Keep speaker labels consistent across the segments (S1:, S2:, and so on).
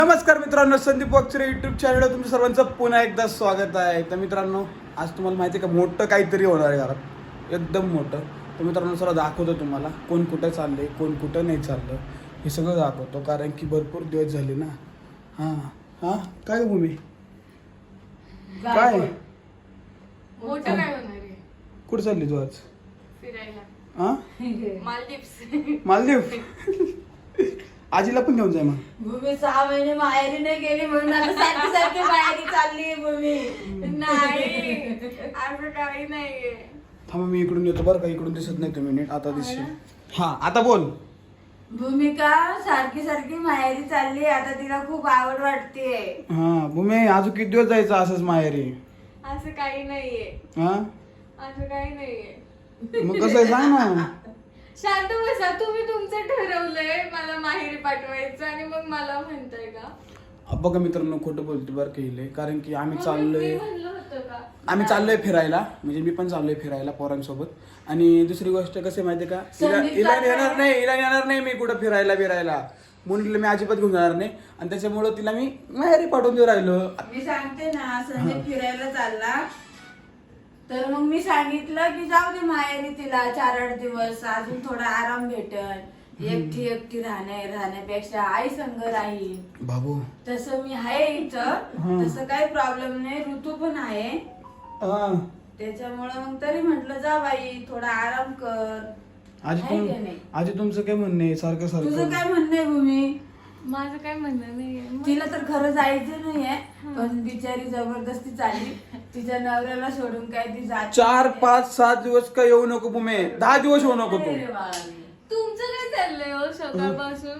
S1: नमस्कार मित्रांनो, संदीप वाकचरे युट्यूब चॅनलवर तुमचं सर्वांचं पुन्हा एकदा स्वागत आहे. तर मित्रांनो, आज तुम्हाला माहिती आहे का, मोठं काहीतरी होणार आहे घरात, एकदम मोठं. तर मित्रांनो, सर्व दाखवतो तुम्हाला, कोण कुठं चाललंय, कोण कुठं नाही चाललं, हे सगळं दाखवतो. कारण की भरपूर दिवस झाले ना. हां हां, काय भूमी, काय
S2: मोठं काय होणार आहे?
S1: कुठं चालली तू आज?
S2: फिरायला.
S1: हां,
S2: मालदीव्स.
S1: मालदीव. आजीला पण घेऊन जाय मग.
S3: भूमी 6 महिने माहेरी नाही गेली म्हणून आता सारखी सारखी माहेरी चालली भूमी.
S2: नाही, असं काही नाहीये.
S1: थांबा, मी इकडून येतो बरं का. इकडून दिसत नाही तुम्ही नीट. आता दिसशील. हां, आता बोल.
S3: भूमिका सारखी सारखी माहेरी चालली, आता तिला खूप आवड वाटतेय.
S1: हां भूमी, अजून किती दिवस जायचं असंच माहेरी?
S2: असं काही नाहीये.
S1: हां,
S2: असं काही नाहीये.
S1: मग कसं आहे सांग ना.
S2: शांत बसा. तुम्ही तुमचं ठरवलंय मला माहेरी पाठवायचं आणि मग मला म्हणताय का?
S1: बघा मित्रांनो, खोटं बोलते बरं केले. कारण की आम्ही
S2: मग
S1: चाललोय,
S2: मी म्हणलं होतं का?
S1: आम्ही चाललोय फिरायला. म्हणजे मी पण चाललोय फिरायला पोरांसोबत. आणि दुसरी गोष्ट कसं आहे माहिती आहे का, हिला येणार नाही मी कुठं फिरायला म्हणून मी अजिबात घेऊन जाणार नाही. आणि त्याच्यामुळं तिला मी माहेरी पाठवून देऊ राहिलो.
S3: मी सांगते ना, संजय फिरायला चालला तर मग मी सांगितलं की जाऊ दे माहेरी, तिला 4-8 दिवस अजून थोडा आराम भेटल. एकटी राहण्यापेक्षा आई संग राहील.
S1: बाबू,
S3: तसं मी आहे इथं, तसं काही प्रॉब्लेम नाही. ऋतू पण आहे,
S1: हां
S3: त्याच्यामुळं मग तरी म्हटलं जा बाई, थोडा आराम कर.
S1: आजी तुमचं काय म्हणणं आहे? सारखं
S3: तुझं
S1: सारखं
S3: काय म्हणणं आहे भूमी?
S2: माझं काय म्हणणं नाहीये.
S3: तिला तर खरं जायचं नाहीये, पण बिचारी जबरदस्ती चालली. तिच्या नवऱ्याला सोडून काय ती जात
S1: 4, 5, 7 दिवस काय येऊ नको भूमी. 10 दिवस येऊ नको तू.
S2: तुमचं काय चाललंय हो सकाळपासून?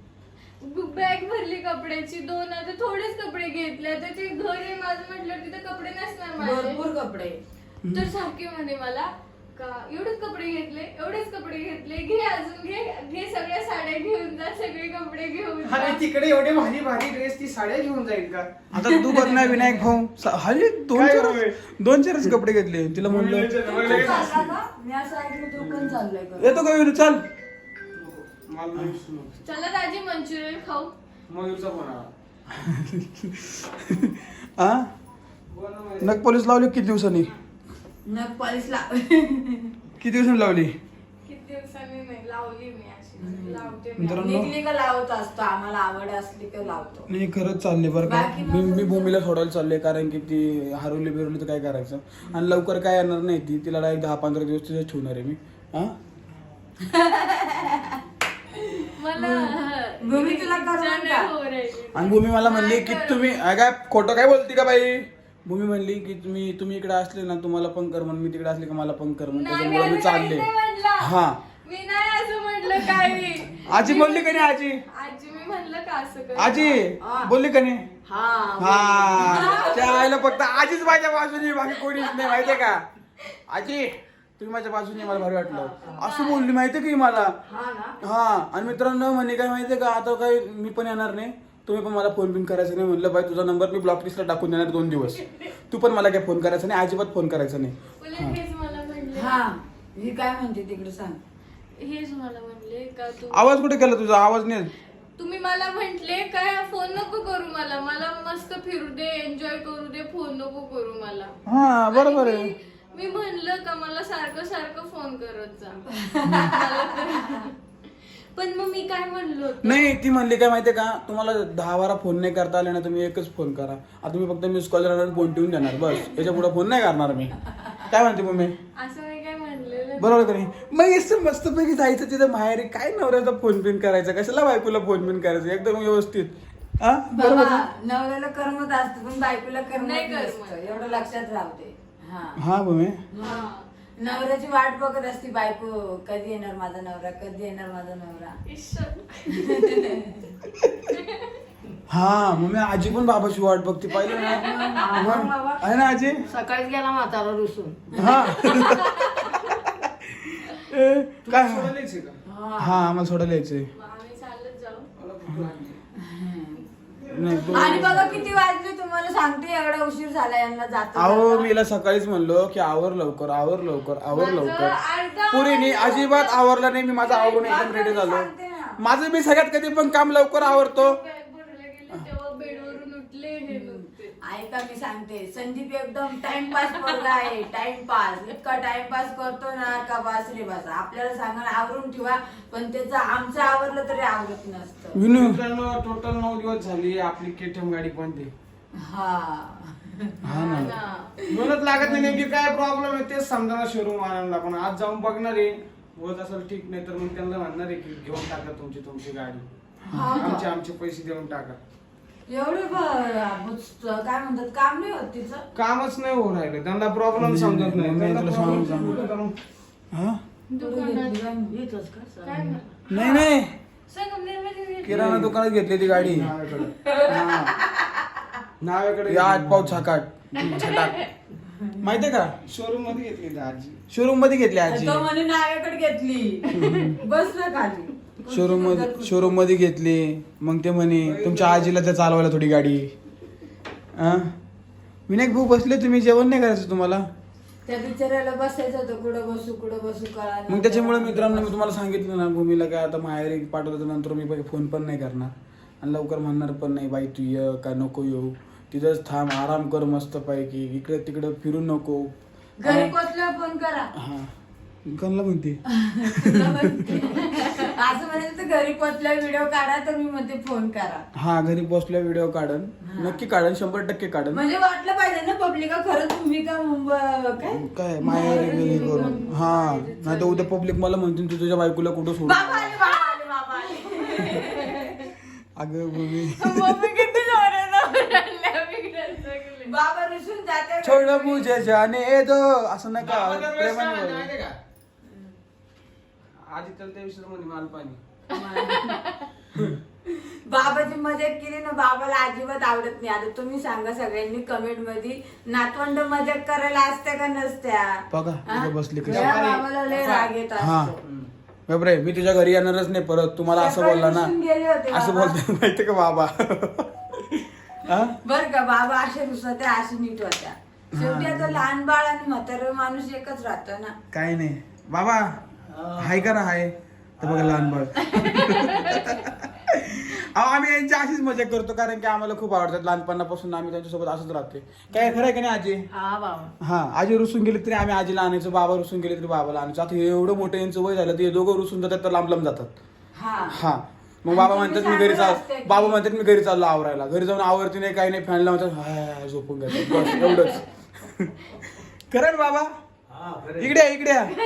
S2: बॅग भरली कपड्याची, 2 आता थोडेच कपडे घेतले. आता ते घर आहे माझं म्हटलं, तिथे कपडे नसणार माझे.
S3: भरपूर कपडे.
S2: तर सारखे म्हणे मला का एवढेच कपडे घेतले, घे अजून घे सगळ्या साड्या घेऊन जा, सगळे कपडे घेऊन जा.
S4: अरे तिकडे एवढे भारी भारी ड्रेस, ती साड्या घेऊन जाईल का?
S1: आता तू बघ ना विनायक भाऊ, हल्ली
S4: काय होय?
S1: 2-4 कपडे घेतले. तिला म्हणलं
S3: तू चालला का? मी असं ऐकलं तू पण चाललंय का?
S1: येतो का विनू, चल.
S2: चला दाजी मंचुरियन खाऊ.
S4: मयूरचा फोन आला.
S1: हा, नग पोलीस लावली किती दिवसांनी?
S3: नख पॉलिश लाव.
S1: किती दिवसांनी लावली?
S2: किती दिवसांनी नाही लावली मी, अशी लावते मी.
S1: मित्रांनो,
S3: निघली का लावत असतो, आम्हाला आवड असली का लावतो.
S1: नाही खरंच चालले बरं का.
S3: बाकी
S1: मी भूमीला सोडायला चालले, कारण की ती हरवली बिरवली तर काय करायचं. आणि लवकर काय येणार नाही ती. तिला डायरेक्ट 10-15 दिवस तिथे ठेवणार आहे मी. हा,
S2: मला
S3: भूमी तुला करणार का?
S2: हो राहिली.
S1: आणि भूमी मला म्हणली की तुम्ही काय खोटं काय बोलती का बाई. भूमी म्हणली की तुम्ही इकडे असले ना, तुम्हाला पण कर म्हणून, मी तिकडे असले का मला पण कर म्हणून.
S2: नाही,
S1: त्याच्यामुळे मी
S2: मी
S1: चालले.
S2: काहीच नाही म्हणलं.
S1: हा,
S2: मी नाही असं म्हटलं काही.
S1: आजी बोलली का नाही? आजी
S2: मी म्हणलं का असं कर.
S1: आजी बोलली का नाही?
S3: हा
S1: हा, त्या आईला फक्त आजीच माझ्या बाजूने, बाकी कोणीच नाही, माहितीये का. आजी तुम्ही माझ्या बाजूने, मला भारी वाटलं असं बोलली, माहितीये की मला.
S3: हा ना.
S1: हा, आणि मित्रांनो म्हणे काय माहितीये का, आता काही मी पण येणार नाही, तुम्ही पण मला फोन बिन करायचं नाही. म्हणलं बाई, तुझा नंबर मी ब्लॉक लिस्टला टाकून देणार 2 दिवस. तू पण मला काय फोन करायचा नाही, अजिबात फोन करायचा नाही.
S2: उलट हेच मला म्हणले.
S3: हा, ही काय म्हणते तिकडे सांग.
S2: हेच मला म्हणले का
S1: आवाज कुठे केला तुझा? आवाज नाही.
S2: तुम्ही मला म्हंटले काय फोन नको करू मला मस्त फिरू दे, एन्जॉय करू दे, फोन नको करू मला.
S1: हा, बरोबर
S2: आणि
S1: आहे.
S2: मी म्हणलं का मला सारखं फोन करत जा. पण मग मी काय म्हणलो होतो?
S1: नाही, ती म्हणली काय माहितीये का, तुम्हाला 10-12 फोन नाही करता आले ना, तुम्ही एकच फोन करा. आता मी फक्त मिस कॉल राहणार, फोन ठेवून देणार बस. याच्या पुढे फोन नाही करणार मी. काय म्हणते मम्मी?
S2: असं मी काय म्हणलेलं.
S1: बरोबर का नाही? मग असं मस्तपैकी जायचं तिथं माहेरी, काय नवऱ्याचा फोन बिन करायचा, कशाला बायकोला फोन बिन करायचं, एकदम व्यवस्थित. हा, बरोबर
S3: बाबा,
S1: ना?
S3: नवऱ्याला करमत असतं पण बायकोला करमत
S2: नाही
S3: नसतं.
S2: करमत.
S3: एवढं लक्षात राहते. हा,
S1: हा मम्मी.
S2: हा.
S3: नवऱ्याची वाट बघत असती बायको, कधी येणार माझा नवरा, कधी येणार माझा नवरा.
S1: हा मम्मी, आजी पण बाबाची वाट बघते, पाहिलं ना. आहे ना आजी?
S3: सकाळीच गेला म्हातारा रुसून.
S1: हा. काय?
S4: सोडायला यायचंय का?
S1: हा, आम्हाला सोडायला यायचंय.
S2: आम्ही चालत जाऊ.
S4: मला भूक लागली.
S1: नाही तू,
S3: आणि बघा किती वाजले तुम्हाला सांगते, एवढा उशीर झाला यांना जातो.
S1: अहो मी हिला सकाळीच म्हणलो की आवर लवकर. पुरीने अजिबात आवरला नाही. मी माझं आवरून एकदम रेडी झालो. माझं मी सगळ्यात कधी पण काम लवकर आवरतो.
S2: तेव्हा बेडवरून उठले हे नव्हते.
S3: ऐका मी सांगते, संदीप एकदम टाइमपास पोरगा आहे. टाइमपास इतका टाइमपास करतो ना का बस रे बस. आपल्याला सांगा आवरून ठेवा, पण त्याचं आमचं आवरलं तरी आवरत नसतं.
S1: विनू
S4: मित्रांनो टोटल 9 दिवस झाली आपली केटीएम गाडी बंद आहे.
S3: हा
S1: हा ना
S2: ना.
S4: म्हणत लागत नाही नेमकी काय प्रॉब्लेम आहे तेच समजा शोरूम आणायला. पण आज जाऊन बघणार आहे, होत असेल ठीक, नाही तर मग त्यांना म्हणणार आहे की घेऊन टाका तुमची गाडी,
S3: हा का?
S4: आमचे पैसे देऊन टाका.
S3: एवढे काय म्हणतात काम नाही होत तिचं.
S4: कामच नाही हो राहिलं, त्यांना प्रॉब्लेम समजत नाही.
S1: मग मी तुला
S4: त्यांना
S1: सांगू
S4: problem
S1: का?
S4: समजत नाही.
S1: हा
S2: दुकानात
S3: येतोच का
S2: काय ना
S1: नाही नाही
S2: संगमनेरमध्ये घेतली.
S1: किराणा दुकानात घेतली ती गाडी
S4: नावाकडे
S1: हा.
S4: नावाकडे
S1: या आठ पाव छाकाट छटाक माहितीये का
S4: शोरूम मध्ये घेतली आजी.
S1: शोरूम मध्ये घेतली आजी
S3: तो म्हणे नाव्याकडे घेतली. बसलं खाली
S1: शोरूम मध्ये घेतली. मग ते म्हणे तुमच्या आजीला त्या चालवायला थोडी गाडी. हा विनायक भाऊ बसले, तुम्ही जेवण नाही करायचं तुम्हाला.
S3: त्या बिचाऱ्याला बसायचं होतं, कुठं बसू कळा.
S1: मग त्याच्यामुळे मित्रांनो मी तुम्हाला सांगितलं ना, भूमीला काय आता माहेरी पाठवलं नंतर मी फोन पण नाही करणार आणि लवकर म्हणणार पण नाही बाई तू ये का नको येऊ, तिथंच थांब, आराम कर मस्त पैकी, इकडे तिकडे फिरू नको.
S3: घरी पोचल्यावर फोन करा.
S1: हा कोणाला म्हणते
S3: असं म्हणायचं तर घरी पोचल्यावर व्हिडिओ काढा, तर मी म्हणते फोन करा.
S1: हा घरी पोचल्या व्हिडिओ काढन, नक्की काढन, 100% काढन.
S3: म्हणजे वाटलं पाहिजे ना पब्लिका खरंच तुम्ही का मुंबई
S1: काय माहेरी गेली करून. हा नाही तर उद्या पब्लिक मला म्हणतील तू तुझ्या बायकोला कुठं सोड.
S3: बाबा आले, बाबा आले, बाबा आले.
S1: अगं भूमी
S3: मम्मी किती जोरानं ओरडल्या.
S2: बिघडत सगळे.
S3: बाबा रुसून जाते.
S1: छोड मुझे जाने दो असं नका
S4: बाबा दरवेळेस
S1: प्रेमाने
S4: काय
S1: बोला.
S4: माहितीये का? आजी तर त्या विषयी म्हणे माल पाणी.
S3: बाबाची मजाक केली ना, बाबाला अजिबात आवडत नाही. आता तुम्ही सांगा सगळ्यांनी कमेंट मध्ये, नातवंड मजाक करायला असत्या का नसत्या.
S1: बघा
S3: हा?
S1: इथं बसली कशी.
S3: या बाबाला लय राग येत
S1: हा
S3: असतो.
S1: बापरे मी तुझ्या घरी येणारच नाही परत, तुम्हाला असं
S3: सकाळी
S1: बोलला ना,
S3: रुसून गेले होते
S1: असं
S3: बाबा.
S1: बोलते माहितीये का बाबा. हा?
S3: बर का बाबा असे रुसत्या, असे नीट होत्या. शेवटी आता लहान बाळ आणि म्हातारा माणूस एकच राहतो ना.
S1: काय नाही बाबा हाय करा हाय. तर बघा लहान बाळ. अहो आम्ही यांची अशीच मजा करतो कारण की आम्हाला खूप आवडतात लहानपणापासून, आम्ही त्यांच्यासोबत असंच राहतोय. काय खरं आहे का नाही आजी.
S3: हा बाबा.
S1: हा आजी रुसून गेली तरी आम्ही आजीला आणायचो, बाबा रुसून गेले तरी बाबाला आणायचो. आता हे एवढं मोठं यांचं वय झालं ते दोघं रुसून जातात तर लांब लांब जातात.
S3: हा
S1: हा मग बाबा
S3: आणि
S1: म्हणतात
S3: तुम्ही
S1: मी घरी
S3: सांगत
S1: चाल,
S3: असते की-
S1: बाबा म्हणतात मी घरी चाललो आवरायला. घरी जाऊन आवरती नाही काही नाही, फॅन लावतात हाय झोपून घ्यायचं बस एवढंच. खरं ना बाबा. इकडे या, इकडे या.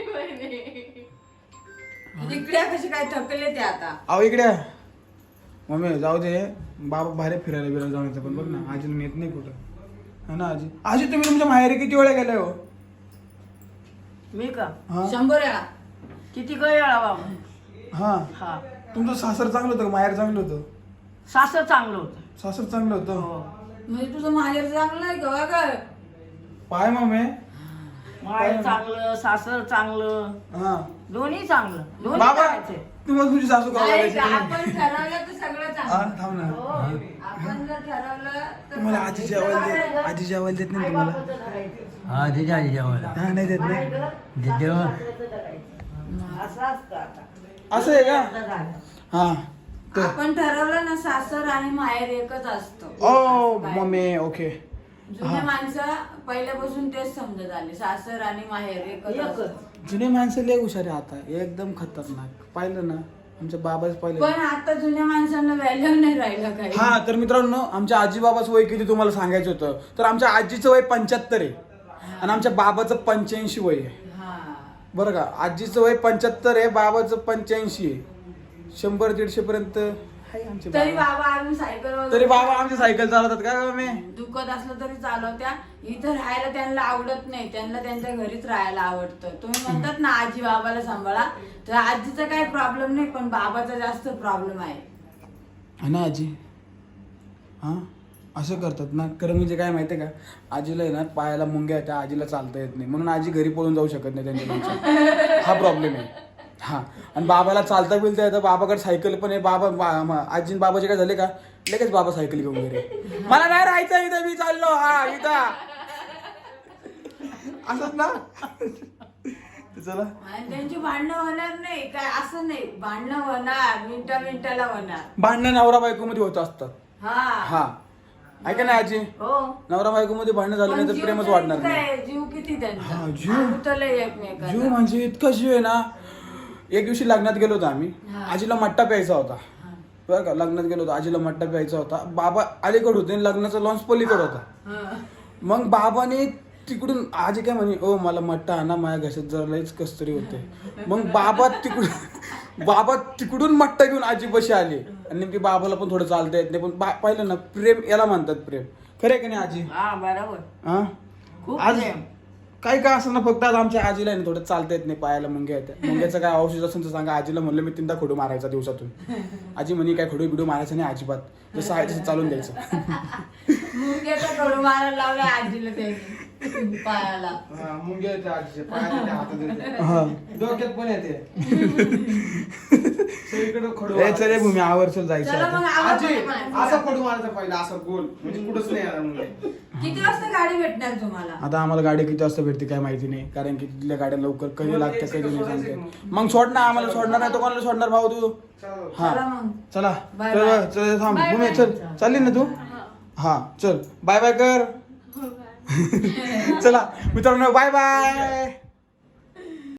S3: इकडे कसे काय थकले ते आता.
S1: अहो इकडे या. मम्मी जाऊ दे, बाबा बाहेर फिरायला बिरायला जाऊन येतं, पण बघ ना आजीला नेत नाही कुठं. हा ना आजी. आजी तुम्ही तुमच्या माहेरी किती वेळा गेलाय हो.
S5: मी का
S1: हा
S3: 100 वेळा.
S5: किती वेळा बाबा.
S1: हा
S5: हा
S1: तुमचं सासर चांगलं होतं का माहेर चांगलं होतं.
S5: सासर चांगलं होतं.
S1: सासर चांगलं होतं.
S5: हो.
S3: म्हणजे तुझं माहेर चांगलं आहे का काय.
S1: पाय मम्मी.
S5: माहेर चांगलं, सासर चांगलं,
S1: हा
S5: दोन्ही चांगलं. दोन्ही
S1: बाबा
S5: करायचे.
S1: तुम्हाला तुझी सासू का
S3: नाही,
S1: आवडायची?
S3: आपण ठरवलं तर सगळं
S1: हा,
S3: चांगलं.
S1: थांब ना.
S3: हो, आपण जर ठरवलं तर
S1: तुम्हाला आजी जेवायला देत, आजी जेवायला देत नाही तुम्हाला.
S6: हा तिच्या आजी जेवायला
S1: हा नाही देत नाही.
S6: जेव्हा
S5: असं असतं आता.
S1: असं आहे का. हा तर
S3: आपण ठरवलं ना सासर आणि माहेर एकच असतं.
S1: ओ मम्मी ओके.
S3: जुने माणसं पहिल्यापासून तेच समजत आले, सासर आणि माहेर एकच असतं.
S1: जुने माणसं लय हुशार आहे आता, एकदम खतरनाक. पाहिलं ना आमच्या बाबाच पाहिलं.
S3: पण आता जुन्या माणसांना व्हॅल्यू नाही राहिलं काही.
S1: हा तर मित्रांनो आमच्या आजी बाबाचं वय किती तुम्हाला सांगायचं होतं, तर आमच्या आजीचं वय 75 आहे आणि आमच्या बाबाचं 85 वय आहे.
S3: हा.
S1: बरं का. आजीचं वय 75 आहे, बाबाचं 85 आहे. 100-150 पर्यंत आहे आमचे
S3: तरी
S1: बाबा.
S3: बाबा अजून सायकल
S1: तरी बाबा आमची सायकल चालवतात का मी.
S3: दुखत असलं तरी चालवत्या. इथं राहायला त्यांना आवडत नाही, त्यांना त्यांच्या घरीच राहायला आवडतं. तुम्ही म्हणतात ना आजी बाबाला सांभाळा, तर आजीचा काही प्रॉब्लेम नाही, पण बाबाचा जास्त प्रॉब्लेम आहे.
S1: हा ना आजी. हा असं करतात ना. खरं म्हणजे काय माहितीये का, आजीला आहे ना पायाला मुंग्या त्या आजीला चालता येत नाही, म्हणून आजी घरी पळून जाऊ शकत नाही त्यांच्या. हा प्रॉब्लेम आहे. हा आणि बाबाला चालता बिलता येतं, बाबाकडे सायकल पण आहे. आजी बाबाचे काय झाले का लगेच बाबा सायकल घेऊन गेले, मला नाही राहायचं इथं, मी चाललो. हा इथं असंच ना. चला
S3: आणि त्यांची भांडणं होणार नाही काय, असं नाही. भांडणं होणार, मिनिटाला होणार.
S1: भांडणं नवरा बायको मध्ये होत असतात.
S3: हा
S1: ऐका ना आजी,
S3: हो
S1: नवरा बायको मध्ये भांडण झालं नाही
S3: पण
S1: तर
S3: जीव
S1: प्रेमच
S3: तरी
S1: वाढणार
S3: काय
S1: नाही.
S3: आहे, जीव किती
S1: हा,
S3: त्यांचा
S1: जीव.
S3: उतरले
S1: जीव
S3: एकमेकांना
S1: म्हणजे इतका जीव आहे ना. एक दिवशी लग्नात गेलो होतो आम्ही,
S3: हा.
S1: आजीला मट्टा प्यायचा होता बरं का. लग्नात गेलो होतो, आजीला मट्टा प्यायचा होता. बाबा अलीकडे होते आणि लग्नाचा लॉन्च पलीकडे होता.
S3: हा.
S1: मग बाबाने तिकडून आजी काय म्हणे, ओ मला मट्टा आणा, माझ्या घशात जरा लईच कसतरी होते. मग बाबा तिकडून मट्टा घेऊन आजी बशी आली. आणि नेमकी बाबाला पण थोडं चालता येत नाही, पण पाहिलं ना, प्रेम याला म्हणतात प्रेम. खरे का नाही आजी?
S5: हा बरोबर
S1: हा
S5: खूप
S1: आज
S5: प्रेम.
S1: काही काय असं ना, फक्त आज आमच्या आजीला आहे ना थोडं चालता येत नाही, पायाला मुंग्या येतात. मुंग्याचं काय औषध असेल तर सांगा. आजीला म्हणलं मी 3दा खडू मारायचा दिवसातून. आजी म्हणे काय खडू बिडू मारायचं नाही अजिबात, जसं आहे तसं चालून द्यायचं.
S3: मुंग्याचा कडू मारायला लावला आजीला त्यांनी पायाला.
S4: हा, मुंग्या येते आजीच्या पायात येते, हातात येते.
S1: हा.
S4: डोक्यात पण येते. सगळीकडे खडू
S1: ए चल भूमी आवर्षल जायचं
S3: चला
S1: आता.
S3: मग
S4: आजी
S3: आवाज
S4: असा खडू मारायचा पहिला, असं गोल, म्हणजे कुठंच नाही येणार मुंग्या.
S3: किती वाजता गाडी भेटणार तुम्हाला?
S1: आता आम्हाला गाडी किती वाजता भेटते काय माहिती नाही, कारण की तिथल्या गाड्या लवकर कधी लागतात कधी नाही सांगते. मग सोड ना, आम्हाला सोडणार नाही तर कोणाला सोडणार भाऊ तू?
S4: चला.
S1: हा
S3: चला मग.
S1: चला
S3: Bye
S1: चल
S3: bye.
S1: चल थांब
S2: Bye
S1: भूमी,
S2: bye.
S1: चल चालली ना तू? हा चल, बाय बाय कर.
S2: हो, बाय.
S1: चला मित्रांनो, बाय बाय.